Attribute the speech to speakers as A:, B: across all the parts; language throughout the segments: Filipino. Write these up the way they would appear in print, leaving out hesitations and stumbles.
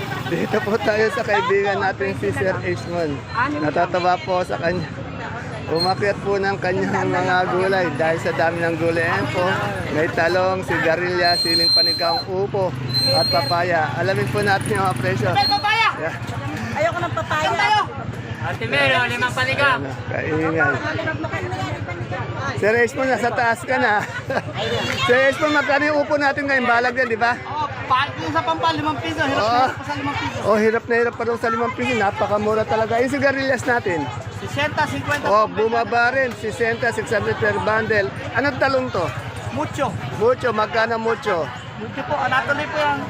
A: Dito po tayo sa kaibigan natin si Sir Ishmon. Natatawa po sa kanya. Umakyat po ng kanyang mga gulay dahil sa dami ng gulay. Ayan po, may talong, sigarilya, siling panigang, upo at papaya. Alamin po natin yung mga presyo. Yeah.
B: Ayoko ng papaya.
C: Ate Mero, 5 panigang.
A: Kaingay. Sir Ishmon, nasa taas ka na. Sir Ishmon, magkano yung upo natin ngayon? Balag yan, di ba?
B: Yung sa pampal, 5 piso. Hirap
A: Oo.
B: pa sa 5 piso.
A: Oh, hirap na hirap pa daw sa 5 piso. Napakamura talaga. Yung sigarilyas natin.
B: 60, 50.
A: Oh, bumaba rin. 60, 600 per bundle. Anong talong to?
B: Mucho.
A: Mucho, magkano mucho?
B: Mucho po. Natuloy po yung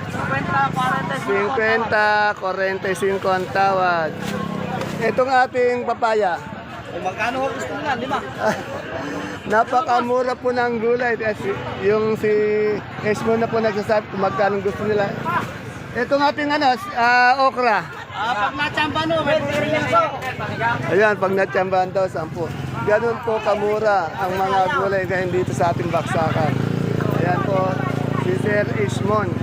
B: 50, 40,
A: 50, 45 ang tawad. Itong ating papaya.
B: Magkano ho gusto nila? 5.
A: Napakamura po ng gulay. Yung si Esmo na po nagsasabi kung magkano gusto nila. Itong ating okra.
B: Pag nachamba no, may piso.
A: Ayan, pag natsambahan daw, 10. Ganun po kamura ang mga gulay ngayon dito sa ating baksakan. Ayan po, si Sir Ishmon.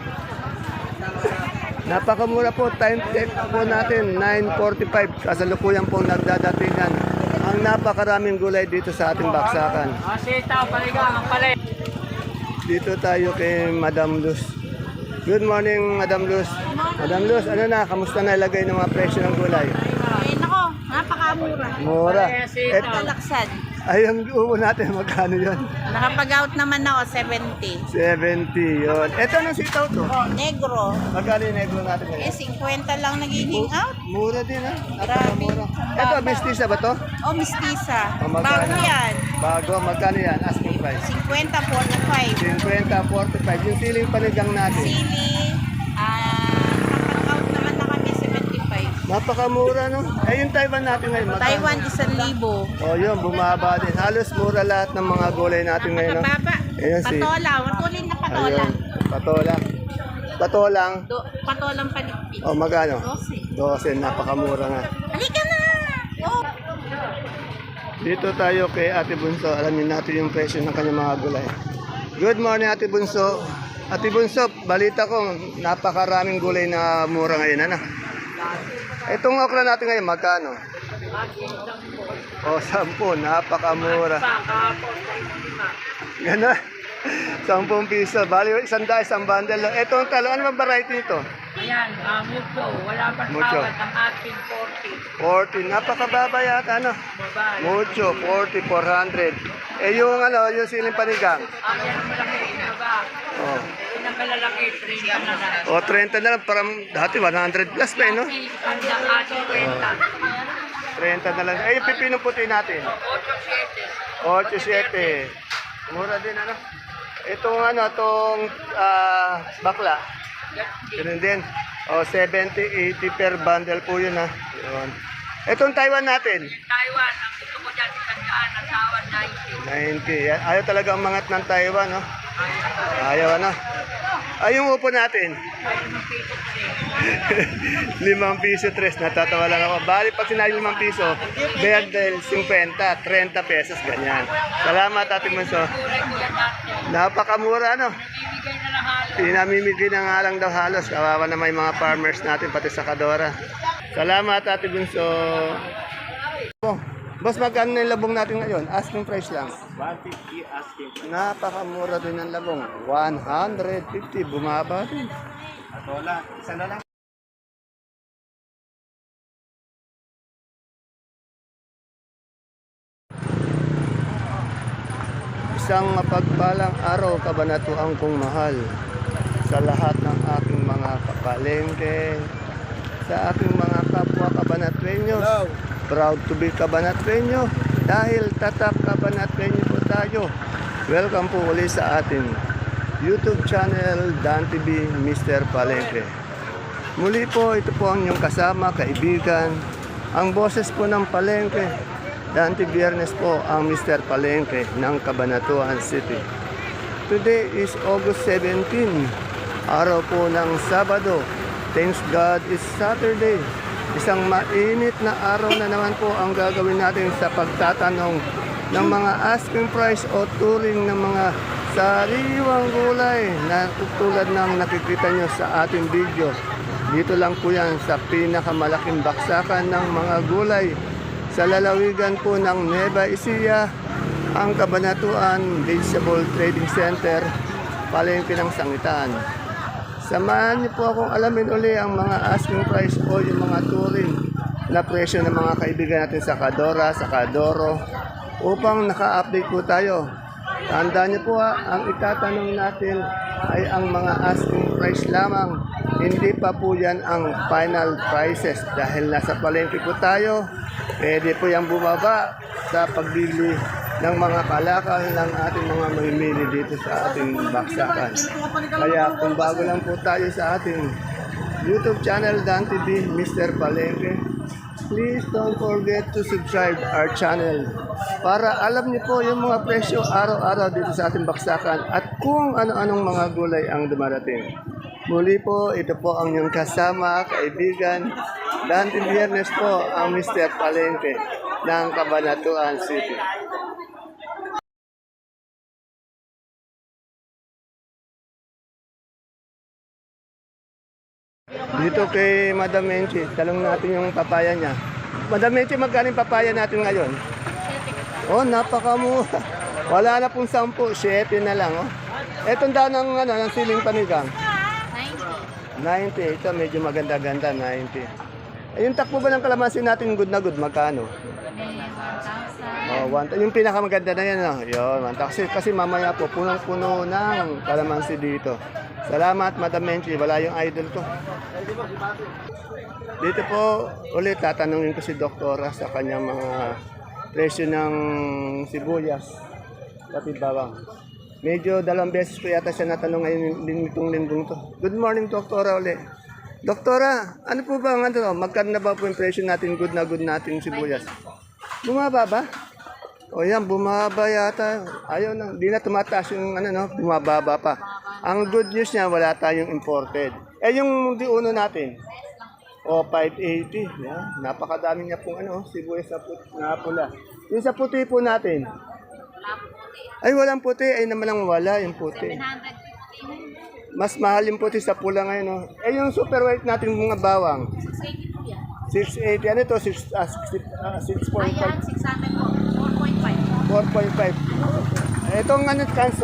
A: Napakamura po, time check po natin, 9:45. Kasalukuyan pong nagdadatingan ang napakaraming gulay dito sa ating baksakan.
C: Sitaw, panigang, ang palay.
A: Dito tayo kay Madam Luz. Good morning, Madam Luz. Madam Luz, ano na, kamusta na ilagay ng mga presyo ng gulay?
B: Nako, napakamura.
A: Mura.
B: Talaksan.
A: Ay, ang upo natin, magkano yun?
B: Nakapag-out naman ako, 70.
A: 70 yun. Ito anong sitaw to?
B: Negro.
A: Magkano yung negro natin ngayon?
B: 50 lang nagiging out.
A: Mura din ha?
B: Grabe.
A: Napakamura. Ito, mistisa ba to?
B: O, mistisa.
A: O, magkano?
B: Bago yan.
A: Bago, magkano yan? Asking price.
B: 50, 45.
A: 50, 45. Yung siling panigang natin.
B: Sili, nakapag-out naman na kami, 75.
A: Napakamura, no? Eh, yung Taiwan natin ngayon, magkano?
B: Taiwan, 1,000.
A: O, yun, bumaba din. Halos mura lahat ng mga gulay natin ngayon, no?
B: Napakababa.
A: Ayan,
B: Patola, matulin na patola.
A: Ayun, patolang. Patolang.
B: Patolang paligpit.
A: O, magkano?
B: 12.
A: 12, napakamura nga.
B: Halika na! Oh.
A: Dito tayo kay Ate Bunso. Alamin natin yung presyo ng kanyang mga gulay. Good morning, Ate Bunso. Ate Bunso, balita ko, napakaraming gulay na mura ngayon. Ano? Itong okra natin ngayon, magkano? O, 10. Napakamura. Gano'n? 10 piso. Bali, 100, isang bundle. Itong talo, ano bang variety nito?
C: Ayan, mucho. Wala pang
A: Mucho.
C: tawad ang ating 40.
A: 40. Napakababa yata, ano?
C: Babae.
A: Mucho, 40, 400. Eh, yung siling panigang.
C: Ang yan ang malaki na ba?
A: Oh.
C: Pinakalalaki, 30 na lang.
A: O, 30 na lang. Parang dati 100 plus pa, eh, no?
C: Ang ating
A: 30 na lang. Eh, yung pipino puti natin.
C: 8-7.
A: 8.7. Mura din, ano? Itong bakla. Ganun din. O, 70, 80 per bundle po yun, ha? Yun. Itong Taiwan natin.
C: Taiwan, ang gusto ko dyan, 100 ang tawad 90.
A: 90. Yan. Ayaw talaga umangat ng Taiwan, no? Ayaw, ano? Ay, yung upo natin. 5 piso, 3. Natatawa lang ako. Bali, pag sinabi 5 piso, berdel, 50, 30 pesos, ganyan. Salamat, Ate Manso. Napakakamura, no?
C: Bibigay na lang halos.
A: Pinamimigay na nga lang daw halos. Kawawa na may mga farmers natin, pati sa Kadora. Salamat, Ate Bunso. Oh, boss, magkano na yung labong natin ngayon? Asking price lang.
B: 150 asking.
A: Napakamura din ng labong. 150, bumaba din.
B: Patola, isa na lang.
A: Isang mapagpalang araw, kabanatuang kong mahal, sa lahat ng aking mga kapalengke, sa aking mga kapwa kabanatrenyos. Proud to be kabanatrenyo dahil tatak kabanatrenyo po tayo. Welcome po ulit sa ating YouTube channel, Dan TV Mr. Palengke. Muli po, ito po ang inyong kasama, kaibigan, ang boses po ng Palengke. Dante Biyernes po ang Mr. Palengke ng Cabanatuan City. Today is August 17, araw po ng Sabado. Thanks God it's Saturday. Isang mainit na araw na naman po ang gagawin natin sa pagtatanong ng mga asking price o turing ng mga Sariwang gulay na tulad ng nakikita nyo sa ating video. Dito lang po yan sa pinakamalaking baksakan ng mga gulay sa lalawigan po ng Nueva Ecija, ang Cabanatuan Vegetable Trading Center, palengke ng Sangitan. Samahan niyo po akong alamin uli ang mga asking price o yung mga touring na presyo ng mga kaibigan natin sa Kadora, sa Kadoro, upang naka-update po tayo. Tandaan niyo po ang itatanong natin ay ang mga asking price lamang. Hindi pa po yan ang final prices dahil nasa palengke po tayo. Pwede po yung bumaba sa pagbili ng mga kalakal ng ating mga mamimili dito sa ating baksakan. Kaya kung bago lang po tayo sa ating YouTube channel, Dan TV, Mr. Palengke, please don't forget to subscribe our channel para alam niyo po yung mga presyo araw-araw dito sa ating baksakan at kung ano-anong mga gulay ang dumarating. Muli po, ito po ang inyong kasama, kaibigan, Dan Biyernes po ang Mr. Palengke ng Cabanatuan City. Dito kay Madam Menchi, talong natin yung papaya niya. Madam Menchi, magkano yung papaya natin ngayon? Oh, napakamura. Wala na pong 10, 7 na lang. Oh. Etong daw ng siling panigang. 90. Ito medyo maganda-ganda, 90. Yung takbo ba ng kalamansi natin good na good, magkano? Oh, 1. Yung pinakamaganda na yan, no? Yun, 1. Kasi mamaya po, punong-puno ng kalamansi dito. Salamat, Madam Menchi. Wala yung idol ko. Dito po, ulit, tatanungin ko si Doktora sa kanyang mga presyo ng sibuyas. Pati bawang. Medyo 2 beses ko yata siya natanong ngayon itong linggong to. Good morning, Doktora ulit. Doktora, ano po ba ang magkano na ba po yung presyo natin, good natin sibuyas? Bumaba ba? O yan, bumaba yata. Ayaw na, di na tumataas yung bumababa pa. Ang good news niya, wala tayong imported. Eh yung diuno natin, o 580. Yan. Napakadami niya pong sibuyas na pula. Yung sa puti po natin, ay walang puti, ay naman ang wala yung puti. Mas mahal yung puti sa pula ngayon. No? Eh yung super white natin mga bawang, 680. Ano ito? 6.5.
C: Ayan, 600 po. 4.5.
A: 4.5. Itong kanso,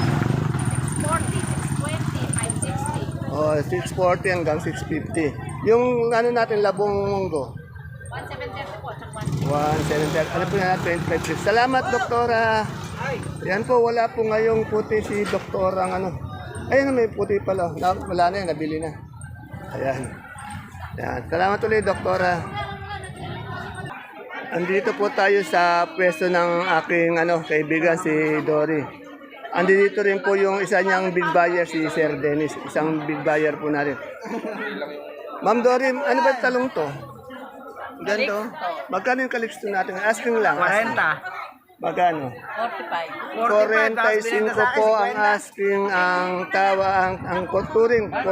C: 640, 620, 560.
A: oh, 640 hanggang 650. Yung natin, labong munggo,
C: 170 po, tsaka
A: 170. Ano po yan? 25. Salamat, Doktora. Yan po, wala po ngayong puti si Doktora. Ayun, may puti pala. Wala na yan, nabili na. Ayan. Yan. Salamat ulit, Doktora. Andito po tayo sa pwesto ng aking kaibigan si Dory. Andito rin po yung isa niyang big buyer si Sir Dennis. Isang big buyer po natin. Ma'am Dory, ano ba yung talong to? Ganito. Magkano yung kaliksto natin? Asking lang.
B: 40.
A: Magkano?
C: 45.
A: 45 po ang asking, ang tawa, ang turing, 45.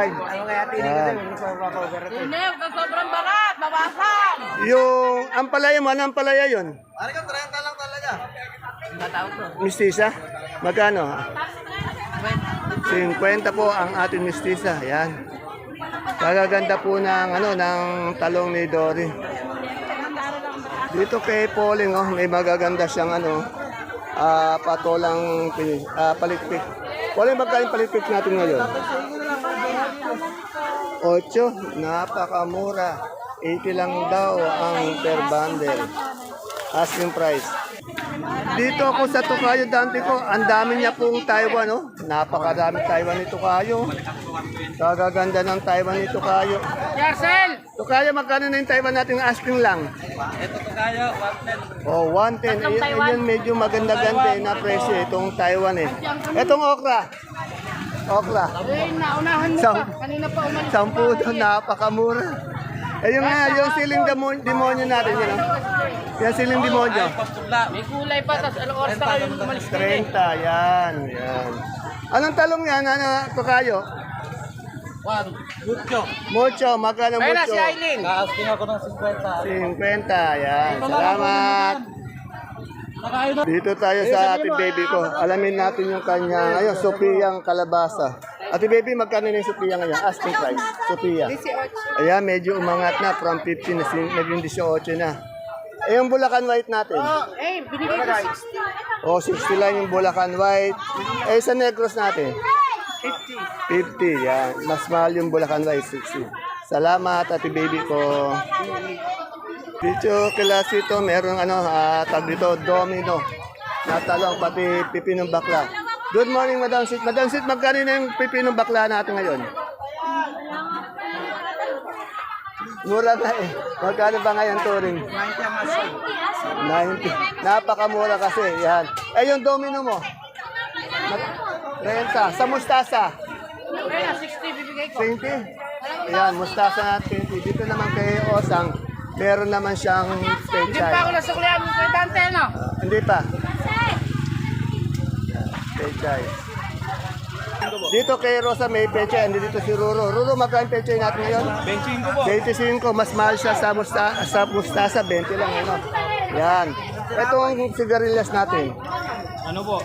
C: Unew, sobrang barat, bawasan.
A: Yung ampalaya mo, ano ampalaya yun?
B: Ano ka, 30 lang talaga.
A: Mistisa? Magkano? 50 po ang ating mistisa. Yan. Kagaganda po ng talong ni Dory. Dito kay Pauling, may magaganda siyang patolang palikpik. Pauling, magkano palikpik natin ngayon? 8, napakamura. 80 lang daw ang per bundle. Asking price. Dito ako sa Tokayo Dante ko, ang dami niya pong Taiwan, no? Napakadami Taiwan ni Tokayo. Kagaganda ng Taiwan ni Tokayo.
C: Yarcel!
A: Tokayo, magkano na yung Taiwan natin asking lang?
B: Ito to kayo, 110.
A: Oh, 110. Ayun, medyo maganda-ganda na presyo itong Taiwan eh. Itong okra. Okra.
C: Naunahan mo
A: Sam-
C: pa. Kanina pa umalis.
A: 10 doon, napakamura. Ayun nga, yung siling demonyo natin, yun. Yan siling demonyo.
C: May kulay pa, tapos anong oras na kayo umalis na
A: 30, yan. Anong talong yan, Tokayo?
B: Mucho.
A: Mucho, magkano
C: Ayun na,
A: mucho?
C: si Aileen.
B: Asking ako ng 50.
A: 50, yan. Salamat. Dito tayo sa ate baby ko. Alamin natin yung kanya, ayun, Sophia kalabasa. Ate baby, magkano na yung Sophia ngayon? Asking price, Sophia.
D: 18.
A: Ayan, medyo umangat na from 15 na naging 18 na. Eh, yung Bulacan White natin.
D: Binigay ko 60.
A: O, 60 lang yung Bulacan White. Eh, sa Negros natin. 50, yan. Mas mahal yung Bulacan White, 60. Salamat, ate baby ko. Dito Kilasito, meron tag dito, domino. Natalong, pati pipinong bakla. Good morning, Madam Sit. Madam Sit, magkano na yung pipinong bakla natin ngayon? Mura na eh. Magkano ba ngayon, Turing? 90. Napakamura kasi, yan. Eh, yung domino mo? 30. Sa mustasa?
D: 60 bibigay ko.
A: 20. Ayan, mustasa na 20. Dito naman kay Osang, meron naman siyang
D: Hindi pa ako
A: pechay.
D: nasuklihan mo kay Dante, no?
A: Hindi pa. Pechay. Dito kay Rosa may pechay. Hindi dito si Ruro. Ruro, magkano pechay natin ngayon? 25 po. 25. Mas mahal siya sa mustasa. 20 lang. Ano? Yan. Ito ang sigarilyas natin.
B: Ano po?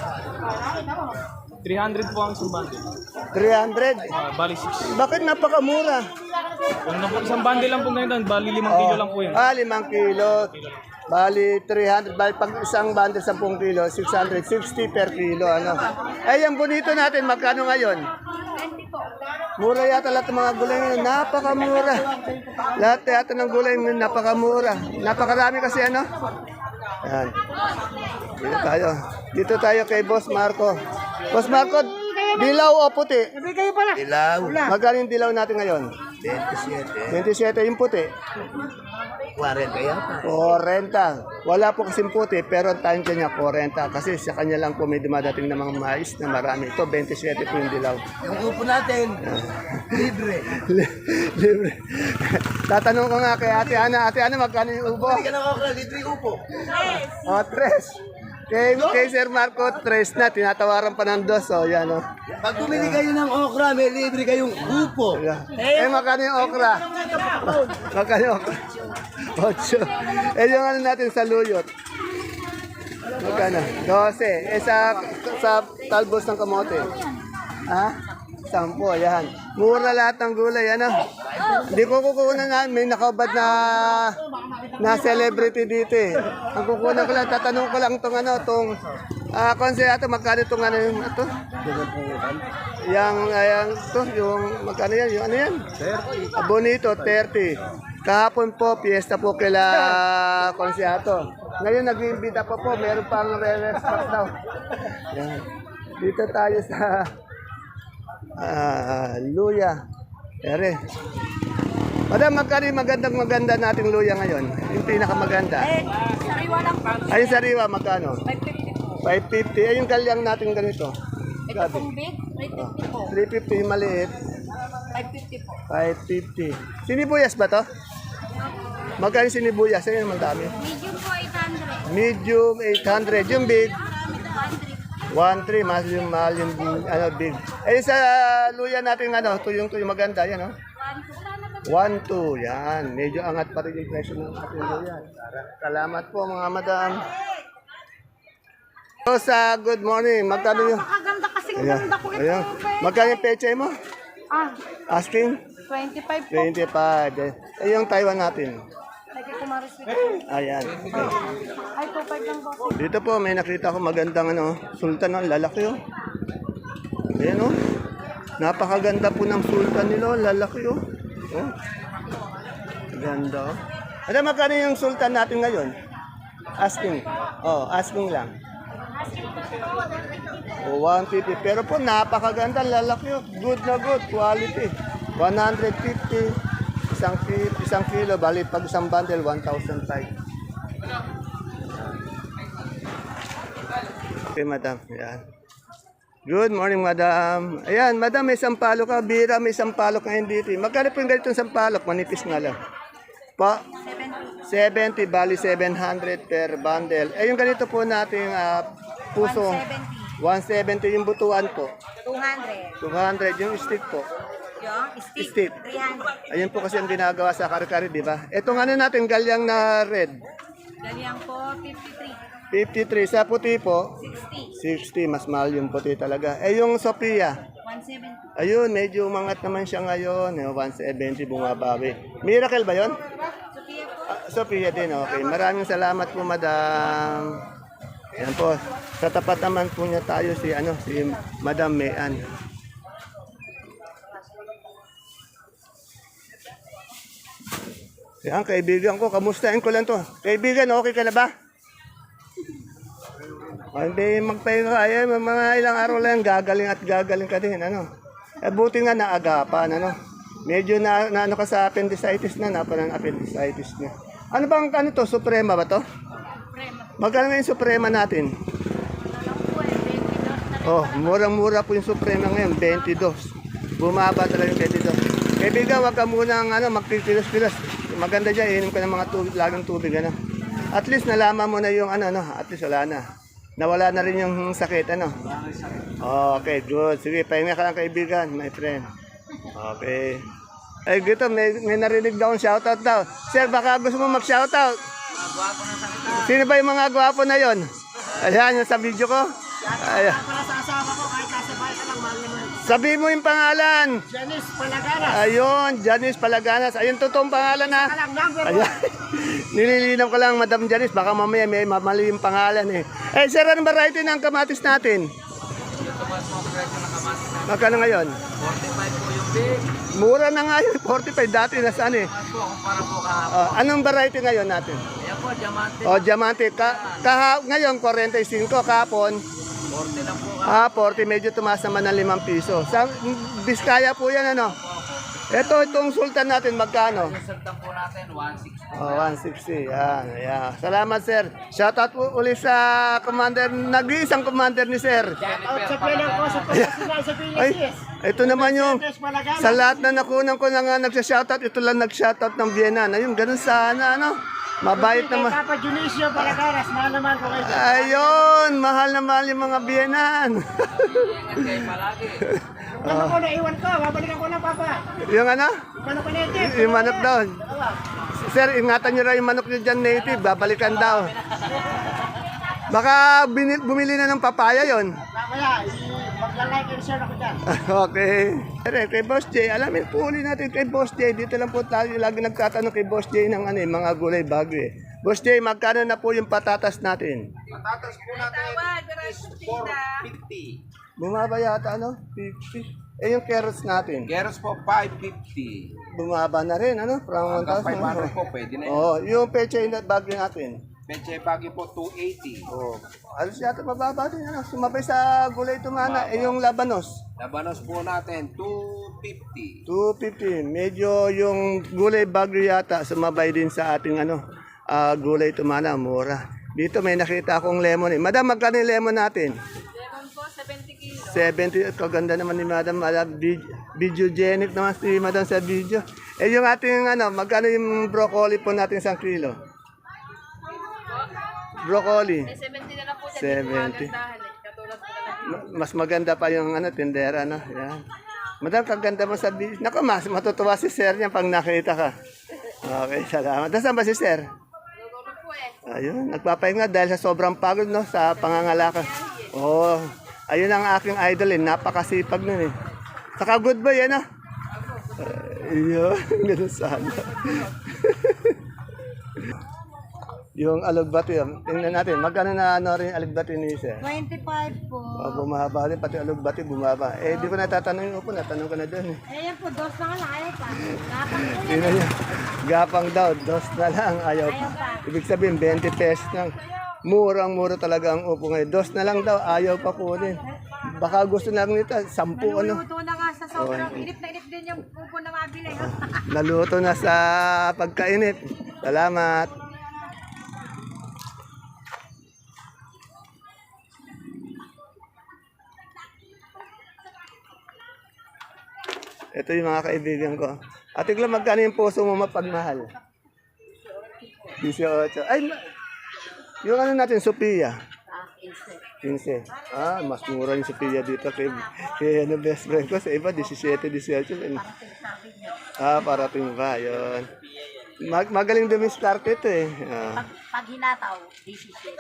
B: 300 po ang isang bundle.
A: 300.
B: Bali 6.
A: Bakit napakamura?
B: Isang bundle lang po ngayon, bali 5 kilo lang po yan.
A: 5 kilo. Bali 300. Bali pag isang bundle 10 kilo, 660 per kilo. Ano? Eh, yung bonito natin, magkano ngayon? Mura yata lahat ng mga gulay ngayon. Napakamura. Lahat yata ng gulay ngayon, napakamura. Napakarami kasi ano? Yan. Dito tayo kay Boss Marco. Boss Marco, dilaw o puti?
D: Bibigay pala.
E: Dilaw.
A: Magkano yung dilaw natin ngayon?
E: 27.
A: 27 yung puti.
E: 40 yata.
A: 40. Wala po kasing puti, pero ang tansya niya 40. Kasi sa kanya lang po may dumadating na mga mais na marami. Ito, 27 po yung dilaw.
E: Yung upo natin, libre.
A: Libre. Tatanong ko nga kay Ate Ana, magkano yung ubo?
E: Hindi ka nakakala, libre yung upo.
A: O, 3. Kay Sir Marco, 3 na. Tinatawaran pa ng 2. O, yan o.
E: Pag bumili kayo ng okra, may libre kayong upo.
A: Eh, magkano yung okra? Magkano yung okra? 8. Eh, yung ano natin sa luyot? Magkano? 12. Eh, sa talbos ng kamote? Ha? 10, yan. Mura lahat ng gulay, ano? Hindi ko kukunan na, may nakabad na celebrity dito eh. Ang kukunan ko lang, tatanong ko lang itong konseyato, magkano itong ano yung ito? Yung magkano yan? Yung ano yan? 30. Bonito, 30. Kahapon po, piyesta po kila konseyato. Ngayon, nag-iimbita po, meron pang re-respect daw. Yan. Dito tayo sa luya. Ere. Madam, magkano yung maganda nating luya ngayon? Yung pinakamaganda.
C: Sariwa lang po.
A: Ay, sariwa, magkano?
C: 550 po.
A: 550. Ay, yung kalyang natin ganito.
C: Ito pong big, 350 po.
A: 350 yung maliit.
C: 550 po.
A: 550. Sinibuyas ba to? Magkano yung sinibuyas? Ayun, madami.
C: Medium po 800.
A: Medium, 800. Yung big,
C: 100.
A: 1.3. Mahal yung big. Eh, sa luya natin, tuyong maganda. Yan, oh. 1.2. Yan. Medyo angat pa rin yung presyo ng ating luya. Salamat po, mga madam. So, sa good morning. Magkano yung...
D: Maganda kasing
A: Ayan.
D: ganda ko ito.
A: Ayan. Magkano yung peche mo? Asking?
D: 25 po.
A: 25. Eh, yung Taiwan natin.
D: Lagi ko marisip.
A: Ayan.
D: Ay, 25 lang po.
A: Dito po, may nakita ko magandang sultan. Lalaki, oh. Ayan, oh. Napakaganda po ng sultan nila. Lalaki, oh. Oh. Ganda, oh. Ano, magkano yung sultan natin ngayon? Asking. Oh, asking lang. Oh, 150. Pero po, napakaganda. Lalaki, oh. Good na good. Quality. 150. Isang kilo, bali pag isang bundle, 1,005. Okay, madam. Ayan. Good morning, madam. Ayan, madam, may sampalok ka. Bira, may sampalok ngayon dito. Magkano po yung ganitong sampalok? Manipis nga lang. Pa? 70, bali 700 per bundle. Eh, yung ganito po natin, puso. 170 yung butuan po. 200 yung stick po.
C: Yung
A: Stick.
C: 300.
A: Ayun po kasi ang ginagawa sa kare-kare, di ba? Itong ano natin, galyang na red.
C: Galyang po,
A: 53. Sa puti po? 60. Mas mahal yung puti talaga. Eh, yung Sophia?
D: 170.
A: Ayun, medyo umangat naman siya ngayon. 170 bumabawi. Miracle ba yon?
D: Sophia po.
A: Sophia din, okay. Maraming salamat po, madam. Yan po. Sa tapat naman po niya tayo si Madam Mayan. Yan, kaibigan ko. Kamustahin ko lang to. Kaibigan, okay ka na ba? Hindi magpahinga ka. Ay, mga ilang araw lang, gagaling at gagaling ka din. Buti nga naagapan. Medyo na ano ka sa appendicitis na. Napalan appendicitis na. Ano bang to? Suprema ba to? Magkano nga yung Suprema natin? Oh, murang-mura po yung Suprema ngayon, 22. Bumaba talaga yung 22. Kaibigan, wag ka munang magpipilos-pilos. Maganda dyan, inom ka ng mga tubig, laging tubig. At least nalaman mo na yung at least wala na. Nawala na rin yung sakit, Okay, good. Sige, pahinga ka lang kaibigan, my friend. Okay. Ay, gito, may narinig daw ang shoutout daw. Sir, baka gusto mo mag-shoutout? Sino ba yung mga gwapo na yon? Ayan, yung sa video ko. Ayan.
B: Para sa asawa ko, kahit nasa bahay ka lang, mahal naman.
A: Sabi mo yung pangalan.
B: Janice Palagaras.
A: Ayun, Janice Palaganas. Ayun, totoong pangalan ha.
B: Alam, number
A: Ayan. Nililinaw ko lang, Madam Janice. Baka mamaya may mali yung pangalan eh. Eh, sir, anong variety ng kamatis natin? Magkano ngayon? 45 po yung big. Mura na nga yun, 45. Dati nasaan eh. Anong variety ngayon natin?
C: Ayan po, diamante.
A: Diamante. Ngayon, 45. Kahapon?
C: 40 lang po.
A: 40. Medyo tumaas naman ng 5 piso. Sa Biskaya po yan, itong sultan natin, magkano?
C: Yung sultan po natin, 160.
A: 160. Yan. Salamat, sir. Shoutout po ulit sa commander, nag-iisang commander ni sir.
B: Out sa pilang ko, sa pagkasinal sa
A: Ay,
B: Pilipinas.
A: ito naman yung,
B: Janice Palagaras.
A: sa lahat na nakunan ko na nga nagsha-shoutout, ito lang nag-shoutout ng Vienna. Ayun, ganun sana, Mabait
B: Kay
A: naman.
B: Papa Junicio Palagaras, mahal naman ko kayo.
A: Ayun, mahal na mahal yung mga Viennan.
C: Kayo palagi.
B: Paano ko naiwan ko, babalikan ko na Papa.
A: Yung
B: Paano ko native?
A: yung manok daw. Sir, ingatan nyo raw yung manok nyo dyan native, babalikan daw. Baka bumili na ng papaya yon.
B: Mamaya, mag-like and share ako dyan.
A: Okay. Kay Boss J, alamin po ulit natin kay Boss J. Dito lang po tayo lagi nagtatanong kay Boss J ng mga gulay bago eh. Boss J, magkano na po yung patatas natin?
E: Patatas po natin, 450.
A: Bumaba yata 50. Eh yung carrots natin,
E: Keros po, 550.
A: bumaba na rin from
E: Hanggang
A: 1,000.
E: 500 po, pwede na yun.
A: Oh, yung peche na bagyo natin.
E: Peche Baguio po, 280.
A: Oh, alos yata mababa din sumabay sa gulay tumana. Eh yung labanos,
E: Labanos po natin, 250.
A: 250. Medyo yung gulay bagyo yata sumabay din sa ating gulay tumana, mura. Dito may nakita akong lemon eh. Madam, magkano yung lemon natin?
D: Lemon po, 70 kilos.
A: 70. Kaganda naman ni Madam. Videogenic naman si Madam sa video. Eh yung ating magkano yung broccoli po natin 1 kilo? Broccoli.
D: 70 na lang po
A: 70.
D: Katulad po na
A: Mas maganda pa yung tindera, Yan. Madam, kaganda mo sa video. Naku, mas matutuwa si Sir niya pag nakita ka. Okay, salamat. Nasaan ba si Sir? Ayun, nagpapahinga dahil sa sobrang pagod, sa pangangalakal. Oh, ayun ang aking idol, napakasipag nun eh. Saka good boy, Ayun, ganun sana. Yung alugbati, tingnan natin, magkano na rin alugbati ni Sir?
D: 25 po.
A: Bumaba rin, pati alugbati bumaba. Eh, di ko natatanong yung upo, natanong ko na doon.
D: Ayan po, dos na nga lang, ayaw pa. Kapag po
A: Tingnan niyo, gapang daw, dos na lang, ayaw pa. Ibig sabihin, 20 pesos lang. Murang-mura talaga ang upo ngayon. Dos na lang daw, ayaw pa kunin. Baka gusto na lang nito, 10
D: Naluto na nga sa sobrang inip na inip din yung pupo na mabili.
A: Naluto na sa pagkainit. Salamat. Ito yung mga kaibigan ko. Ate Glam, magkano yung puso mo mapagmahal? 18. Ay, yung natin, Sophia. 15. Mas mura yung Sophia dito kay best friend ko. Sa iba, 17, 18. Parating ba? Yun. Magaling dumiskarte ito eh.
D: Pag hinataw, 17.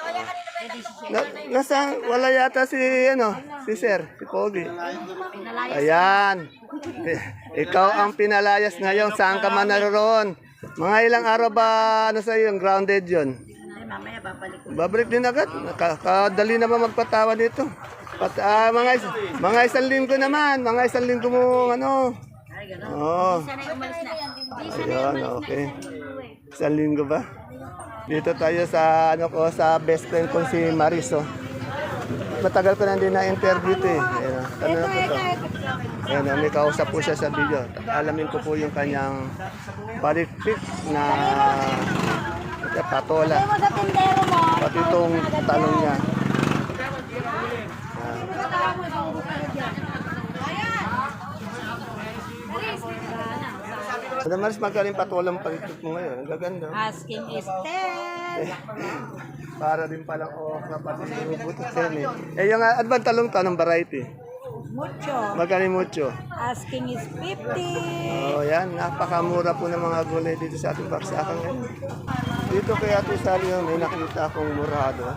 A: Wala yata si, si Sir, si Pogi. Ayan. Ikaw ang pinalayas ngayon. Saan ka man naroon? Mga ilang araw ba, sa'yo, yung grounded yon?
D: Ay, mamaya babalik ko.
A: Babalik din agad. Kadali naman magpatawa dito. Mga isang linggo naman. Mga isang linggo mo,
D: Ay, gano'n.
A: Oo.
D: Sanay umalis na.
A: Ayun, okay. Isang linggo ba? Dito tayo sa sa best friend kong si Mariso. Matagal ko na din na-interview ito eh. Ayan, tanong ko to. Ayan, may kausap po siya sa video. Alamin ko po yung kanyang palikpik na patola.
D: Mo sa tindero mo.
A: Pati itong tanong niya. Ano Maris, magkaling patolang palikpik mo ngayon? Ang gaganda.
D: Asking is 10.
A: Para din palang kapatid yung butot yan eh. Eh yung advantalong tanong variety.
D: Mucho.
A: Magkano mucho?
D: Asking is 50.
A: Oh, yan. Napakamura po ng mga gulay dito sa ating baksakan ngayon. Dito kay Ate Sally, may nakita akong murado.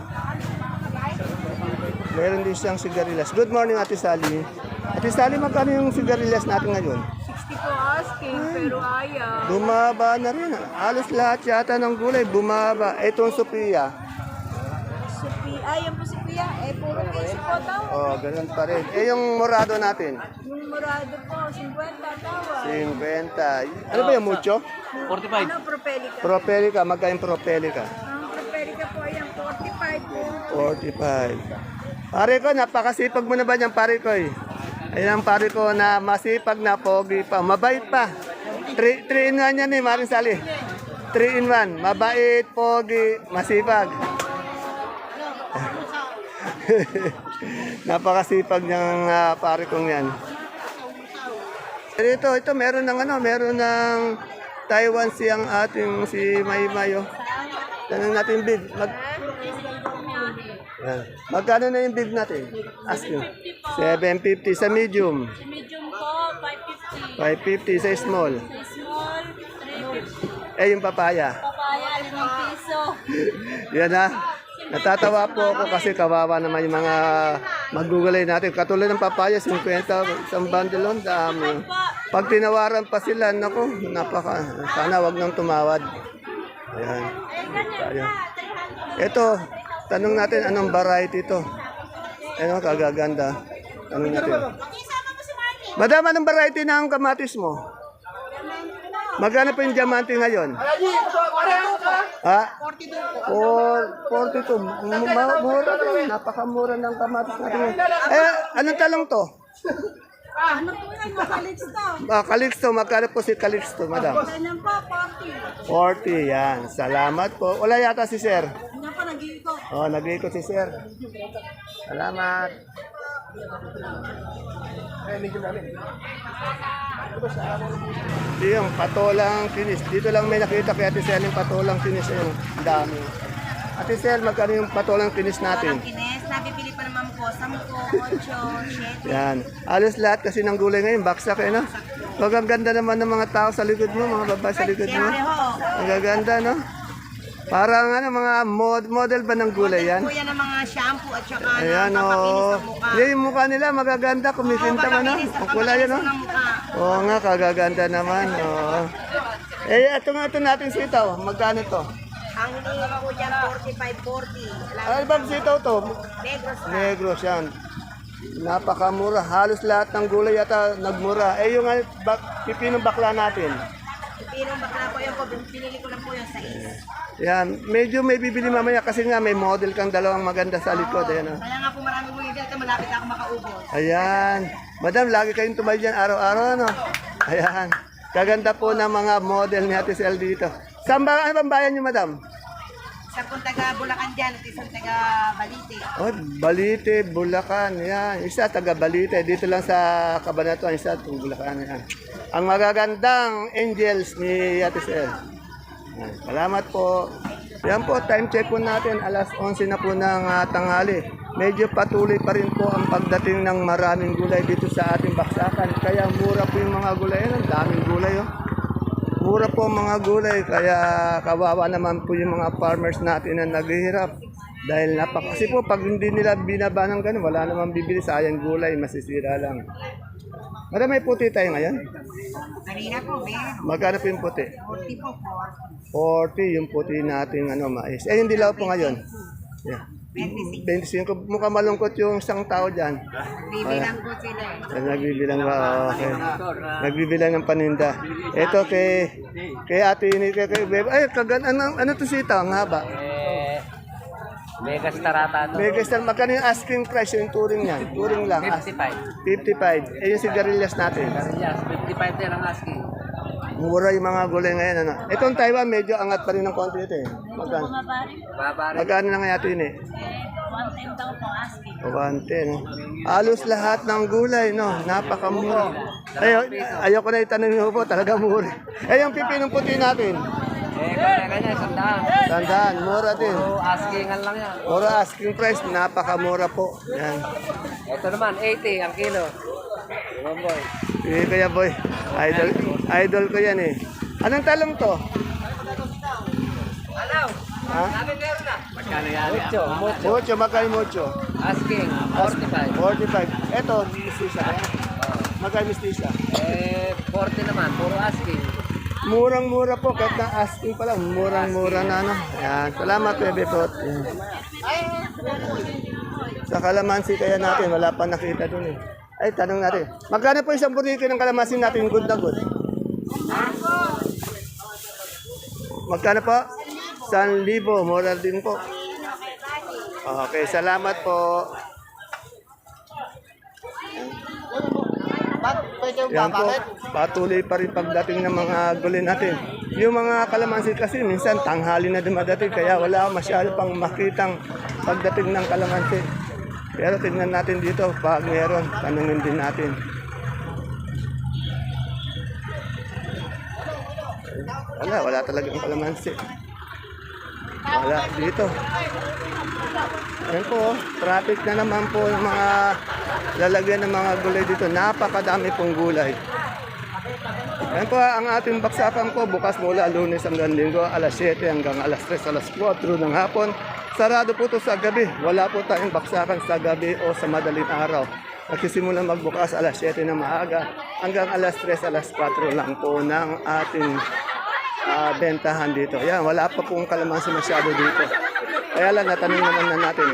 A: Meron din siyang sigarilyas. Good morning, Ate Sally. Ate Sally, magkano yung sigarilyas natin ngayon?
D: 60 po asking, pero ayaw.
A: Bumaba na rin. Halos lahat yata ng gulay, bumaba. Itong Sophia.
D: Ay, yan po si Kuya. Puro piso po daw.
A: Oh, ganun pa rin. Yung morado natin?
D: Yung murado po, 50 tawa.
A: 50. Ano ba yung mucho?
B: 45.
D: Ano, propelica?
A: Propelica, magkain propelica?
D: Ang propelica po, ayan, 45 po.
A: 45. Pare ko, napakasipag mo na ba niyang pare ko eh? Ayan ang pare ko na masipag na pogi pa, mabait pa. 3 in 1 yan eh, Maring Sally. 3 in 1, mabait, pogi, masipag. Napakasipag niyang pare kong yan. Ito meron ng Taiwan siyang ating si Maymayo. Tanong natin big. Yan. Magkano na yung big natin? Asking. 750 sa medium.
D: Sa medium po, 550.
A: 550 sa small.
D: Sa small, 350.
A: Eh yung papaya.
D: Papaya, 5 piso.
A: Yan na. Natatawa po ako kasi kawawa naman yung mga magugulay natin. Katulad ng papaya, 50 isang bundle on, dami. Pag tinawaran pa sila, naku, sana wag nang tumawad. Ayan. Ayan. Ito, tanong natin anong variety ito. Ano, kagaganda. Tanong natin. Madam, anong variety ng kamatis mo? Magkano pa yung diamante ngayon? Ha? 42. Mura rin. Napakamura ng kamatis natin. Eh, anong talong to?
D: Ano po yan, makalix to?
A: Calixto. Magkano po si Calixto, madam?
D: Ganyan po, 40.
A: 40, yan. Salamat po. Wala yata si sir.
D: Ganyan po, nag-iikot.
A: Oh, nag-iikot si sir. Salamat. Ito yung patolang kinis. Dito lang may nakita kay Ate Sel yung patolang kinis. Yung dami. Ate Sel, magkano yung patolang kinis natin?
D: Kines, nabibili pa naman po, 10, 8, 7.
A: Yan. Alos lahat kasi ng gulay ngayon, baksak eh, no? Pag ang ganda naman ng mga tao sa likod mo, mga babae sa likod mo.
D: Siyempre ho.
A: Ang gaganda, no? Parang mga model ba ng gulay yan?
D: Po yan ang mga shampoo at saka
A: Ayan,
D: papakinis
A: oh.
D: ng mukha.
A: Yung mukha nila, magaganda. Kumikinta man, no? Ang kulay yan, no?
D: Ng mukha.
A: Oo nga, kagaganda naman. Oo. Eh, ito natin sitaw. Magkano to?
D: Ang hinihingi po dyan, 45-40.
A: Ano bang sitaw to?
D: Negros na.
A: Negros yan. Napakamura. Halos lahat ng gulay yata nagmura. Eh, yung pipinong bakla natin.
D: Pinong bakla po yun po, pinili ko lang po yung size.
A: Yan. Medyo may bibili mamaya kasi nga may model kang dalawang maganda sa likod. Ayan, oh.
D: Kaya nga po marami mo yung dito, malapit ako makaubos.
A: Ayan. Madam, lagi kayong tumal dyan araw-araw, no? Ayan. Kaganda po ng mga model ni Ate Sel dito. Saan ba, ano bang bayan nyo, madam?
D: Isa pong taga Bulacan dyan at isang taga Balite.
A: Oh, Balite, Bulacan. Yan. Isa taga Balite. Dito lang sa Cabanatuan. Isa itong Bulacan. Yan. Ang magagandang angels ni Ate Sel. Yan. Salamat po. Yan po, time check po natin. Alas 11 na po ng tanghali. Medyo patuloy pa rin po ang pagdating ng maraming gulay dito sa ating baksakan. Kaya mura po yung mga gulay. Ang daming gulay. Oh. Mura po ang mga gulay, kaya kawawa naman po yung mga farmers natin na naghihirap. Dahil kasi po, pag hindi nila binaba ng ganun, wala namang bibili, sayang gulay, masisira lang. Madam, may puti tayo ngayon?
D: Kanina po, meron.
A: Magkano po yung puti?
D: 40 po po.
A: 40 yung puti nating mais. Yung dilaw po ngayon? Yeah. 25. Mukha malungkot yung isang tao dyan.
D: Bibilang po sila eh.
A: Nagbibilang ba? Okay. Nagbibilang ng paninda. Ito kay ate ini kay Bebe. Ay, ano to sitaw? Ang haba.
B: Mega starata to.
A: Mega star, magkano yung asking price yung turing niyan? Turing lang.
B: 55.
A: 55. Yung sigarilyas natin.
B: Yes, 55 din ang asking.
A: Mura yung mga gulay ngayon. Ano? Itong Taiwan, medyo angat pa rin ng konti ito eh. Magkano?
B: Babari.
A: Magkano na nga ito eh?
D: 110 daw po asking.
A: 110. No? Halos lahat ng gulay, no? Napakamura. Ayoko na itanong niyo po, talaga mura. Yung pipinong puti natin.
B: Kanya-kanya, sandaan.
A: Tandaan, mura din.
B: Puro askingan lang yan.
A: Mura asking price, napakamura po. Yan.
B: Ito naman, 80 ang kilo. Diba boy?
A: Kaya boy, idol ko yan eh. Anong talong to?
B: Alaw!
A: Ha?
B: Sabi meron na. Magkano yan? Mucho.
A: Mucho, magkano mucho?
B: Asking, 45.
A: 45. Eto, mistisa. Magkano mistisa?
B: 40 naman, puro asking.
A: Murang-mura po, kahit na asking pa lang, murang-mura na ano. Yan, salamat Bebe Pot. Yan. Sa kalamansi kaya natin, wala pa nakita dun eh. Ay, tanong natin. Magkano po isang burrito ng kalamansi natin, good na good? Magkano po? 1,000, mura din po. Okay, salamat po. Yan po, patuloy pa rin pagdating ng mga gulay natin. Yung mga kalamansi kasi minsan tanghali na dumadating kaya wala masyado pang makitang pagdating ng kalamansi. Pero tingnan natin dito, pag meron, tanungin din natin. Wala talagang kalamansi. Wala dito. Ayan po, traffic na naman po yung mga lalagyan ng mga gulay dito. Napakadami pong gulay. Ayan po, ang ating baksakan po bukas mula Lunes hanggang Linggo, alas 7 hanggang alas 3, alas 4 ng hapon. Sarado po ito sa gabi. Wala po tayong baksakan sa gabi o sa madaling araw. Nagsisimula magbukas alas 7 na maaga hanggang alas 3, alas 4 lang po ng ating bentahan dito. Yan, wala pa pong kalamansi masyado dito. Kaya lang, natanong naman na natin.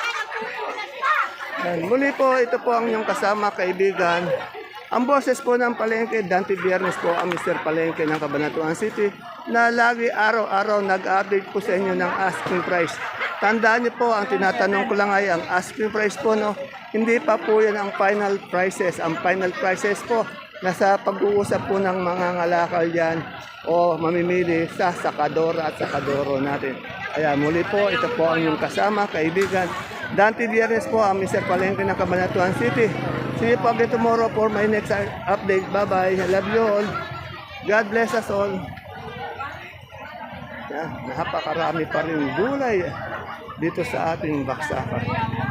A: Yan, muli po, ito po ang inyong kasama, kaibigan. Ang boses po ng Palengke, Dante Biernes po ang Mr. Palengke ng Cabanatuan City na lagi araw-araw nag-update po sa inyo ng asking price. Tandaan niyo po, ang tinatanong ko lang ay ang asking price po, no? Hindi pa po yan ang final prices. Ang final prices po, nasa pag-uusap po ng mga ngalakal yan o mamimili sa sakadora at sakadoro natin. Kaya muli po, ito po ang inyong kasama, kaibigan. Dante Biernes po ang Mr. Palengke ng Cabanatuan City. See you po again tomorrow for my next update. Bye-bye. I love you all. God bless us all. Yan, napakarami pa rin gulay dito sa ating baksakan.